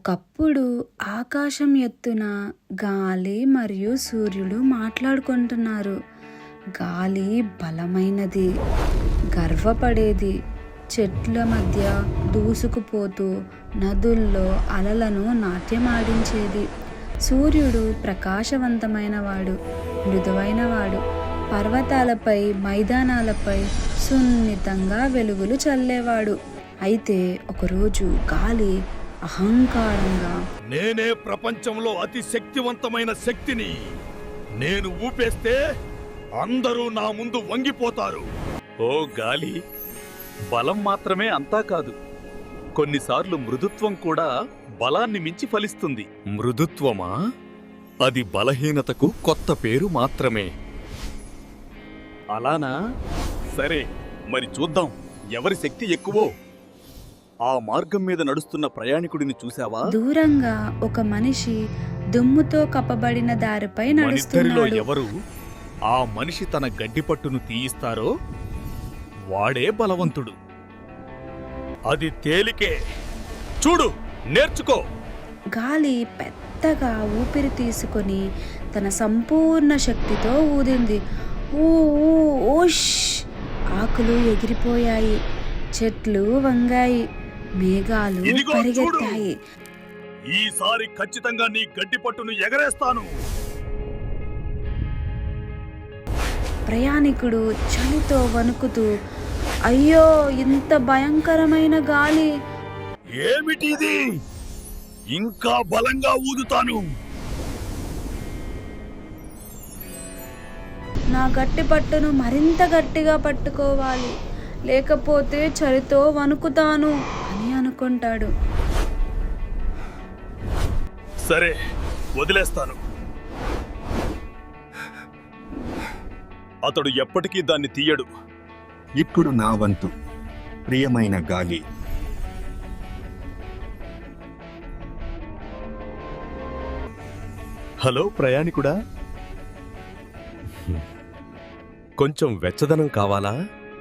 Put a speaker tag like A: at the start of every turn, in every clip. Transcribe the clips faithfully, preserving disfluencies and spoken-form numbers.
A: ఒకప్పుడు ఆకాశం ఎత్తున గాలి మరియు సూర్యుడు మాట్లాడుకుంటున్నారు. గాలి బలమైనది, గర్వపడేది, చెట్ల మధ్య దూసుకుపోతూ నదుల్లో అలలను నాట్యమాడించేది. సూర్యుడు ప్రకాశవంతమైనవాడు, మృదువైనవాడు, పర్వతాలపై మైదానాలపై సున్నితంగా వెలుగులు చల్లేవాడు. అయితే ఒకరోజు గాలి అహంకారంగా,
B: నేనే ప్రపంచంలో అతి శక్తివంతమైన శక్తిని, నేను ఊపేస్తే అందరూ నా ముందు వంగిపోతారు.
C: ఓ గాలి, బలం మాత్రమే అంతా కాదు, కొన్నిసార్లు మృదుత్వం కూడా బలాన్ని మించి ఫలిస్తుంది.
B: మృదుత్వమా? అది బలహీనతకు కొత్త పేరు మాత్రమే.
C: అలానా? సరే, మరి చూద్దాం ఎవరి శక్తి ఎక్కువో. ఆ మార్గం మీద నడుస్తున్న ప్రయాణికుడిని చూశావా?
A: దూరంగా ఒక మనిషి దుమ్ముతో కప్పబడిన దారిపై
B: మనిద్దరిలో
A: నడుస్తున్నాడు.
B: ఎవరు ఆ మనిషి తన గడ్డిపట్టును తీయిస్తారో వాడే బలవంతుడు. అది తేలికే, చూడు, నేర్చుకో.
A: గాలి పెద్దగా ఊపిరి తీసుకొని తన సంపూర్ణ శక్తితో ఊదింది. ఊ ఊ, ఓష్! ఆకులు ఎగిరిపోయాయి, చెట్లు వంగాయి, మేఘాలు
B: ఇదిగో
A: పరిగెత్తాయి.
B: ఈసారి ఖచ్చితంగా నీ గడ్డిపట్టును ఎగరేస్తాను.
A: ప్రయాణికుడు చలితో వణుకుతూ, అయ్యో, ఇంత భయంకరమైన గాలి!
B: ఏమిటిది? ఇంకా బలంగా ఊదుతాను.
A: నా గట్టి పట్టును మరింత గట్టిగా పట్టుకోవాలి, లేకపోతే చలితో వణుకుతాను అని అనుకుంటాడు.
B: సరే, వదిలేస్తాను. అతడు ఎప్పటికీ దాన్ని తీయడు.
D: ఇప్పుడు నా వంతు, ప్రియమైన గాలి.
B: హలో ప్రయాణికుడా, కొంచెం వెచ్చదనం కావాలా?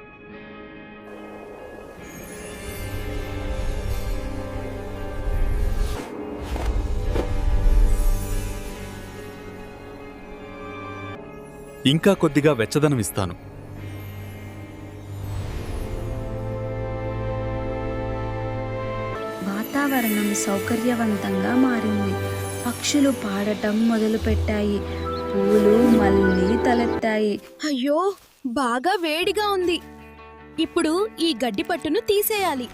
B: ఇంకా కొద్దిగా వెచ్చదనం ఇస్తాను.
A: వాతావరణం సౌకర్యవంతంగా మారింది. పక్షులు పాడటం మొదలుపెట్టాయి, పూలు మళ్ళీ తలెత్తాయి.
E: అయ్యో, బాగా వేడిగా ఉంది. ఇప్పుడు ఈ గడ్డి పట్టును తీసేయాలి.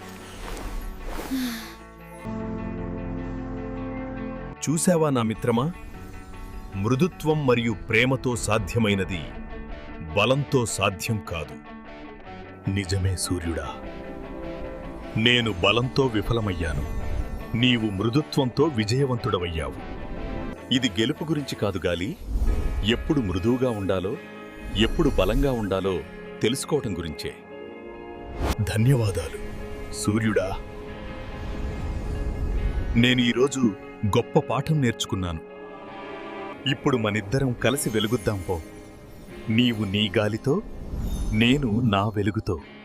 B: చూశావా నా మిత్రమా, మృదుత్వం మరియు ప్రేమతో సాధ్యమైనది బలంతో సాధ్యం కాదు. నిజమే సూర్యుడా, నేను బలంతో విఫలమయ్యాను, నీవు మృదుత్వంతో విజయవంతుడవయ్యావు. ఇది గెలుపు గురించి కాదు గాలి, ఎప్పుడు మృదువుగా ఉండాలో, ఎప్పుడు బలంగా ఉండాలో తెలుసుకోవటం గురించే. ధన్యవాదాలు సూర్యుడా. నేను ఈరోజు గొప్ప పాఠం నేర్చుకున్నాను. ఇప్పుడు మనిద్దరం కలిసి వెలుగుద్దాం పో. నీవు నీ గాలితో, నేను నా వెలుగుతో.